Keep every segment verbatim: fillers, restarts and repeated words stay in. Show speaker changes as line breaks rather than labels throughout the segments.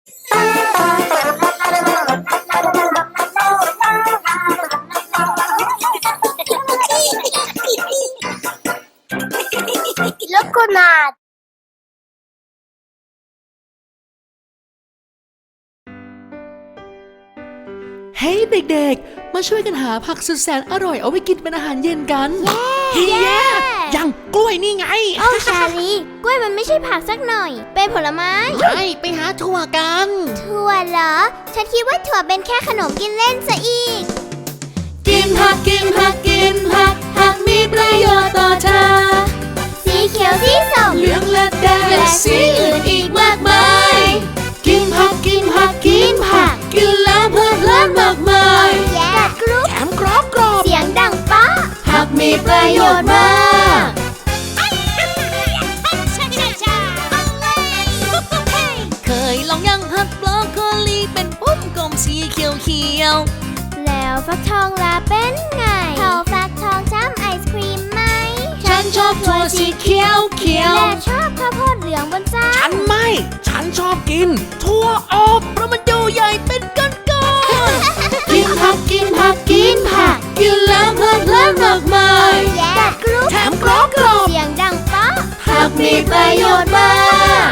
Loconat
เฮ้ยเด็กๆมาช่วยกันหาผักสุดแสนอร่อยเอาไปกินเป็นอาหารเย็นกันเฮ้ยแย่ยังกล้วยนี่ไง
โอ้ชาลีกล้วยมันไม่ใช่ผักสักหน่อยเป็นผลไม้
ใช่ไปหาถั่วกัน
ถั่วเหรอฉันคิดว่าถั่วเป็นแค่ขนมกินเล่นซะอีก
กินผักกินผักกินผักผักมีประโยชน์ต่อเธอ
สีเขียวสีส้ม
เหลืองและแดงและสีอื่นอีกมากมายกินผักกินผักกินผักกินแล้วเพลิดเพลินมากมาย
กัดกรุบ
แถมกรอบกรอบ
เสียงดังป๊ะ
ผักมีประโยชน์มากเคยลองยังผักบรอกโคลีเป็นปุ้มกลมสีเขียวเขียว
แล้วฟักทองล่ะเป็นไงเขาฟักทองจ้ำไอศครีมไหม
ฉันชอบถั่วสีเขียวเขียว
และชอบข้าวโพดเหลืองบนจาน
ฉันไม่ฉันชอบกินถั่วอบเพราะมันดูใหญ่เป็นก้อนก้อนกินผักกินผักกินผักกินแล้วเพลิดเพลินมากมาย
กัดกรุบ
แถมกรอบกรอบ
เสียงดังป๊ะ
ผักมีประโยชน์มาก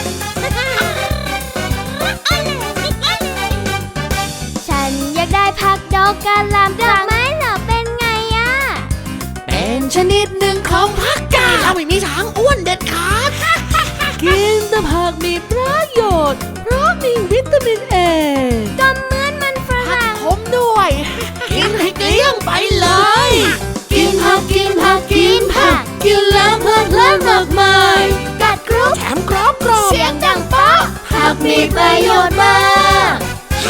ฉันอยากได้ผักดอกกะหล่ำดอกไม้เหรอเป็นไงอะ
เป็นชนิดหนึ่งของผักกาดเราไม่มีทางอ้วนเด็ดขาดกินแต่ผักมีประโยชน์เพราะมีวิตามินเอ
ก็เหมือนมันฝรั่ง
ขมด้วยกินให้เกลี้ยงไปเลยกินผักกินผักกินผักกินแล้วเพลิดเพลินมากมาย
กัดกรุบ
แถมกรอบกรอบ
เสียงดังป๊ะ
ผักมีประโยชน์มาก
พ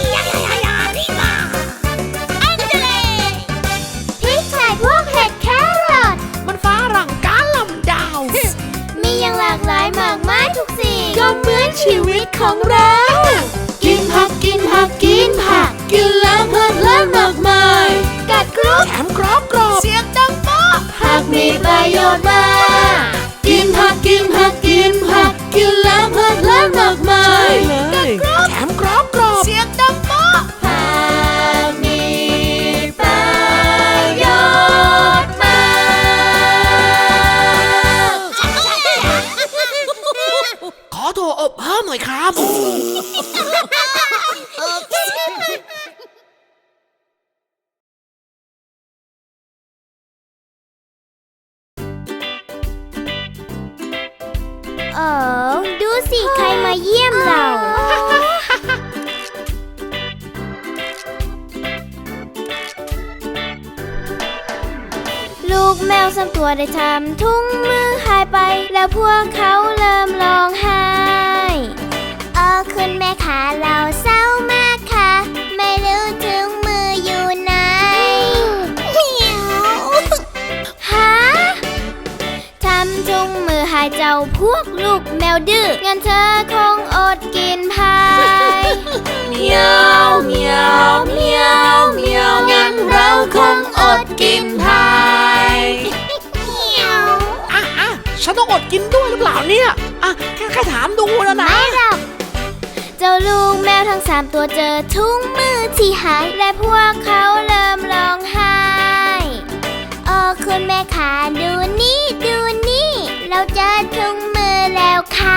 ริกไทยพวกเห็ดแครอท
มันฝรั่งกาลำดาว
มีอย่างหลากหลายมากมายทุกสิ่ง
ก็เหมือนชีวิตของเรากินผักกินผักกินผักกินแล้วเพลิดเพลินมากมาย
กัดกรุบ
แถมกรอบกรอบเสียงดังป๊ะผักมีประโยชน์มากกินผักกินผักกินผักกินแล้วเพลิดเพลินมากมายกัดกรุบแถมกรอบกรอบเสียงดังป๊ะผักมีประโยชน์มากขอถั่วอบเพิ่มหน่อยครับ
เออดูสิใครมาเยี่ยมเราลูกแมวสามตัวได้ทำถุงมือหายไปแล้วพวกเขาเริ่มร้องไห้เออคุณแม่ขาเราเศร้ามากค่ะไม่รู้ถุงมืออยู่ไหนฮะทำถุงมือหายเจ้าพวกลูกแมวดื้องั้นเธอคงอดกินพาย
เมียวเมียวเมียวเมียวงั้นเราคงอดกินพายอ่ะอ่ะฉันต้องอดกินด้วยหรือเปล่าเนี่ยอ่ะแค่แค่ถามดูแล้วนะ
ไม่หรอกเจ้าลูกแมวทั้งสามตัวเจอถุงมือที่หายและพวกเขาเริ่มร้องไห้โอ้คุณแม่ขาดูนี่ดูนี่เราเจอถุงมือแล้วค่ะ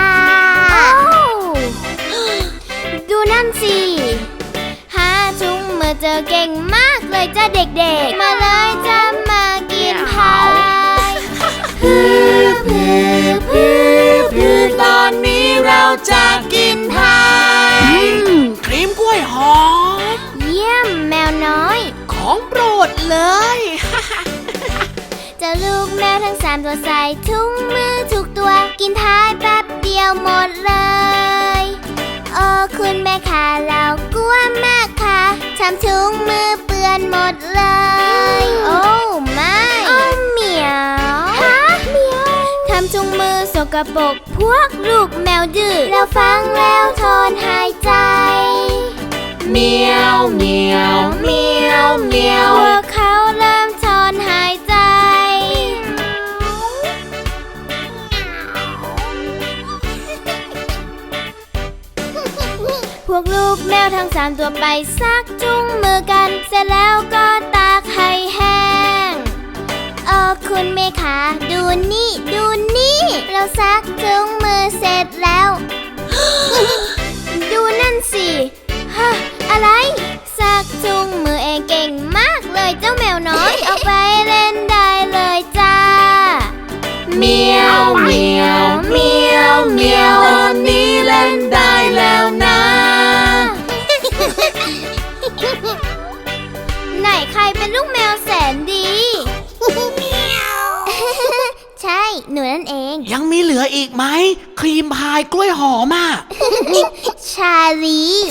ดูนั่นสิหาถุงมือเจอเก่งมากเลยจ้าเด็กๆมาเลยจะมากินพาย
พือพือพือพือตอนนี้เราจะกินพายครีมกล้วยหอม
เยี่ยมแมวน้อย
ของโปรดเลย
เจ้าลูกแมวทั้งสามตัวใส่ถุงมือทุกตัวกินท้ายแป๊บเดียวหมดเลยโอ้คุณแม่ขาเรากลัวมากค่ะทำถุงมือเปื้อนหมดเลยโอ้ไม่โอ้เหมียวฮะเหมียวทำถุงมือสกปรกพวกลูกแมวดื้อเราฟังแล้วทนหายใจ
เมียวเมียวเมียวเมียว
พวกเขาเริ่มทนหายใจพวกลูกแมวทั้งสามตัวไปซักจุงมือกันเสร็จแล้วก็ตากให้แห้งเออคุณเมขาดูนี่ดูนี่เราซักจุงมือเสร็จแล้ว ดูนั่นสิฮะอะไรซักจุงมือเองเก่งมากเลยเจ้าแมวน้อย ออกไปเล่นได้เลยจ้าเมียวเมียวเมียวเมียวตอนนี้เล่นได้แล้วนะ ไหนใครเป็นลูกแมวแสนดีเมียวใช่หนูนั่นเอง
ยังมีเหลืออีกไหมครีมพายกล้วยหอมอ่ะ
ชาลี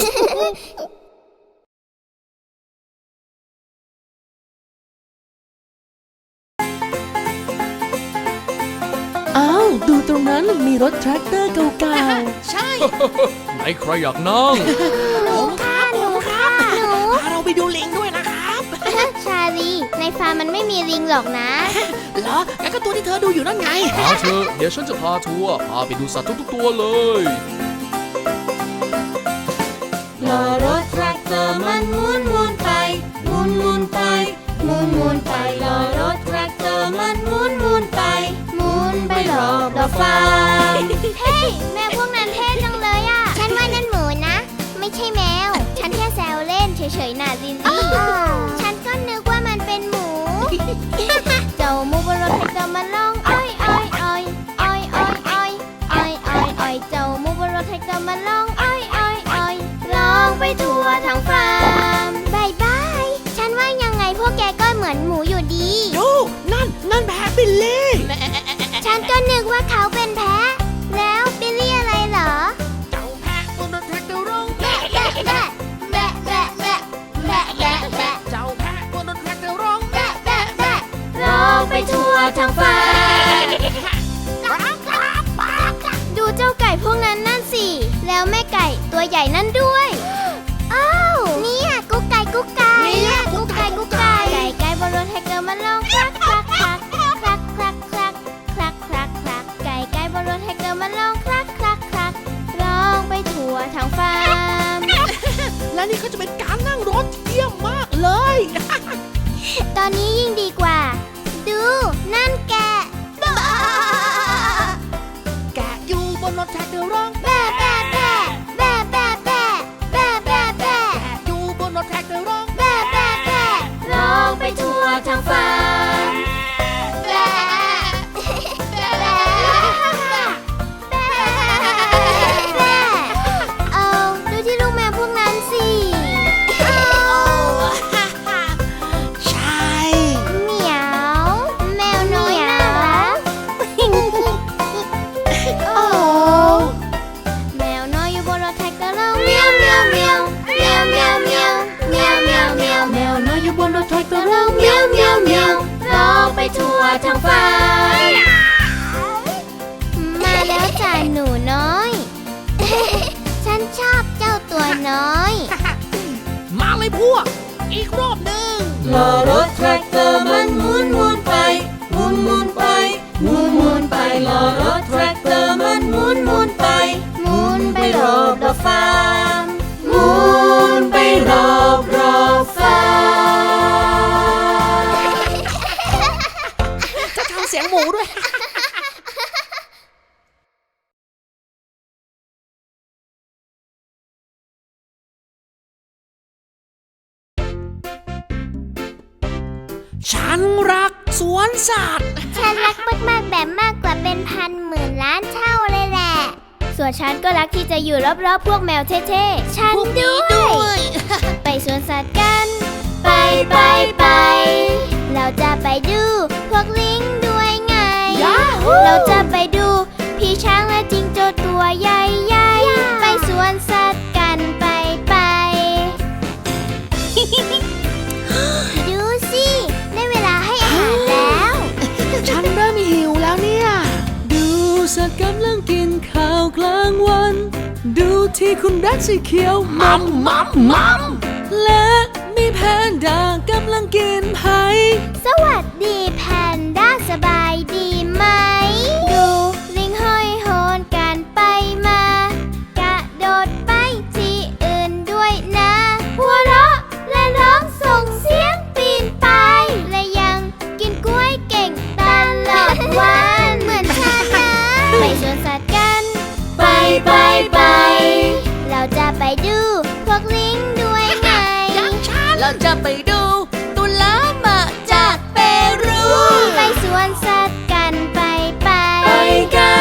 อ้าวดูตรงนั้นมีรถแทรกเตอร์เก่า
ใช่
ไหนใครอยากนั่ง
ผมครับผมครับ
หนู
พาเราไปดูลิงด้วยนะครับ
ชาลีในฟาร์มมันไม่มีลิงหรอกนะ
เหรองั้นก็ตัวที่เธอดูอยู่นั่นไง
พาเธอเดี๋ยวฉันจะพาทัวร์พาไปดูสัตว์ทุกๆตัวเลย
ๆล้อรถแทรกเตอร์มันหมุนหมุนไปหมุนหมุนไปหมุนหมุนไปล้อรถแทรกเตอร์มันหมุนหมุนไปหมุนไปรอบรอบฟาร์ม
เฮ้ยแมวพวกนั้นเท่จังเลยอ่ะ ฉันว่านั่นหมูนะ ไม่ใช่แมว ฉันแค่แซวเล่นเฉยๆน่ะลิลลี่ ฉันก็นึกว่ามันเป็นหมู เจ้าหมูบนรถแท็กเตอร์มันร้องอ้อยอ้อยอ้อยอ้อยอ้อยอ้อยอ้อยอ้อยอ้อยเจ้าหมูบนรถแท็กเตอร์มันร้องอ้อยอ้อยอ้อยร้องไปทั่วทั้งฟาร์มบายบาย ฉันว่ายังไงพวกแกก็เหมือนหมูอยู่ดี
ดูนั่นนั่นแพะบิลลี่
ฉันก็นึกว่าเขาเป็นแพะ แล้วบิลลี่อะไรเหรอ
เจ้าแพะบนรถแท็กเตอร์ร้อง
แบะแบะแบะแบะแบะแบะแบะแบะแบะ
เจ้าแพะบนรถแท็กเตอร์ร้อง
แบะแบะแบะร้องไปทั่วทั้งฟาร์มดูเจ้าไก่พวกนั้นนั่นสิ แล้วแม่ไก่ตัวใหญ่นั่นด้วย อ้าวเนี่ยกุ๊กไก่กุ๊กไก่เนี่ยกุ๊กไก่กุ๊กไก่ไก่ไก่บนรถแท็กเตอร์มันร้องคลักคลักคลักคลักคลักคลักคลักคลักคลักไก่ไก่บนรถแท็กเตอร์มันร้องคลักคลักคลักร้องไปทั่วทั้งฟาร์ม
และนี่เขาจะเป็นการนั่งรถเยี่ยมมากเลย
ตอนนี้ยิ่งดีกว่า ดูนั่นแกะ
แกะอยู่บนรถแท็กเตอร์ร้อง
แบะแบะแบะแบะแบะแบะแบะแบะแบะ
แกะอยู่บนรถแท็กเตอร์ร้อง
แบะแบะแบะร้องไปทั่วทั้งฟาร์มแบะแบะแบะแบะเอาดูที่ลูกแมวพวกนั้นสิเอา
ใช่
เหมียว แมวน้อยน่ารัก โอ้แมวน้อยอยู่บนรถแท็กเตอร์ร้องเมียวเมียวเมียวเมียวเมียวเมียวเมียวเมียวเมียว
แมวน้อยอยู่บนรถแทรกเตอร์
ร้องเมียวเมียวเมียวร้องไปทั่วทั้งฟาร์มมาแล้วจ้าหนูน้อย ฉันชอบเจ้าตัวน้อย
มาเลยพวก อีกรอบหนึ่ง
ล้อรถแทรกเตอร์มันหมุนหมุนไปหมุนหมุนไปหมุนหมุนไปล้อรถแทรกเตอร์มันหมุนหมุนไปหมุนไปรอบรอบฟาร์มหมุนไปรอบรอบฟาร์ม
จะทำเสียงหมูด้วย ฉันรักสวนสัตว์
ฉันรักมากๆแบบมากกว่าเป็นพันหมื่นล้านเท่าเลยแหละ ส่วนฉันก็รักที่จะอยู่รอบๆพวกแมวเท่ๆ ฉัน
พวกนี้
ด้
ด้
ว
วย ย
ไปสวนสัตว์กัน ไปไปไป เราจะไปดูพวกลิงด้วยไง
ยาฮู
เราจะไปดูพี่ช้างและจิงโจ้ตัวใหญ่ๆ ไปสวนสัตว์กันไปไป ดูสิได้เวลาให้อาหารแล้ว
ฉันเริ่มหิวแล้วเนี่ย
ดูสัตว์กำลังกินข้าวกลางวัน ดูที่คุณแรดสีเขียว
มัมมัมมัม
และมีแพนด้ากำลังกินไผ่
สวัสดีแพนด้าสบายดีไหม ดูลิงห้อยโหนกันไปมา กระโดดไปที่อื่ไปดูพวกลิงด้วยไง
เราจะไปดูตุลามาจากเปรู
ไปสวนสัตว์กันไปไป
ไปกัน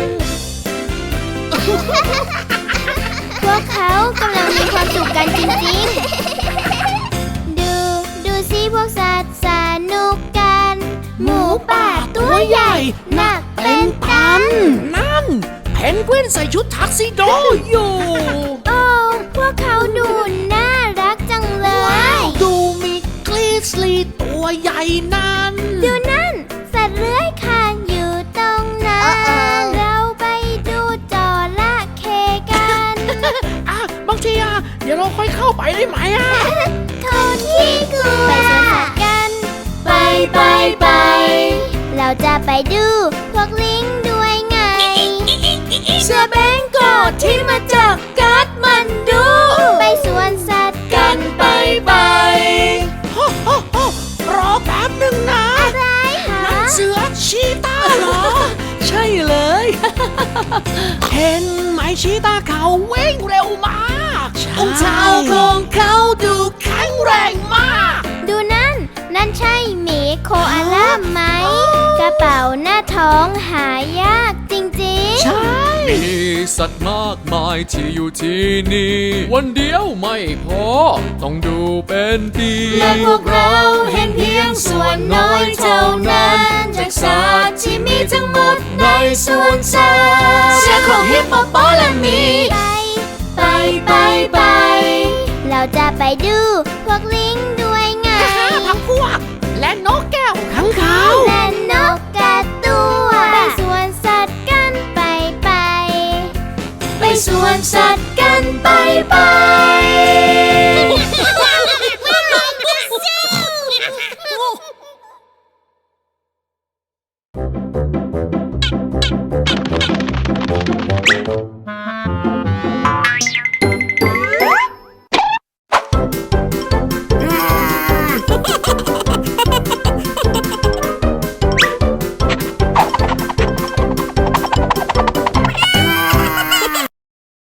พวกเขากำลังมีความสุขกันจริงๆ ดูดูสิพวกสัตว์สนุกกัน หมูป่าตัวใหญ่หนักเป็นตัน
นั่นเพนกวินใส่ชุดทักซิโดอยู่
โอ้พวกเขาดูน่ารักจังเลย
ดูมีกลีสลีตัวใหญ่นั่น
ดูนั่นสัตว์เลื้อยคลานอยู่ตรงนั้น เราไปดูจระเข้กัน
อ่ะบางทีอ่ะเดี๋ยวเราค่อยเข้าไปได้ไหมอ่ะ
คนที่กลัวไปสวนสัตว์กัน
ไปไปไป
เราจะไปดูพวกลิงด้วยไง
เสือแบงกอดที่มาจากการ์ดมันดู
ไปสวนสัตว์
กันไปไป
โฮโฮโฮรอแป๊บหนึ่งนะ
อะไรหา
เสือชีตาเหรอ
ใช่เลย
เห็นไหมชีตาเขาวิ่งเร็วมากใช่
องเท้าของเขาดูแข็งแรงมาก
ดูนั่น นั่นใช่หมีโคอาล่าไหม กระเป๋าหน้าท้องหายากจริง
ใช่
มีสัตว์มากมายที่อยู่ที่นี่ วันเดียวไม่พอ ต้องดูเป็นปี
และพวกเราเห็นเพียงส่วนน้อยเท่านั้น จากสัตว์ที่มีทั้งหมดในสวนสัตว์เสียงของฮิปโปโปและหมี
ๆ ไป
ไปไปไป
เราจะไปดูพวกลิง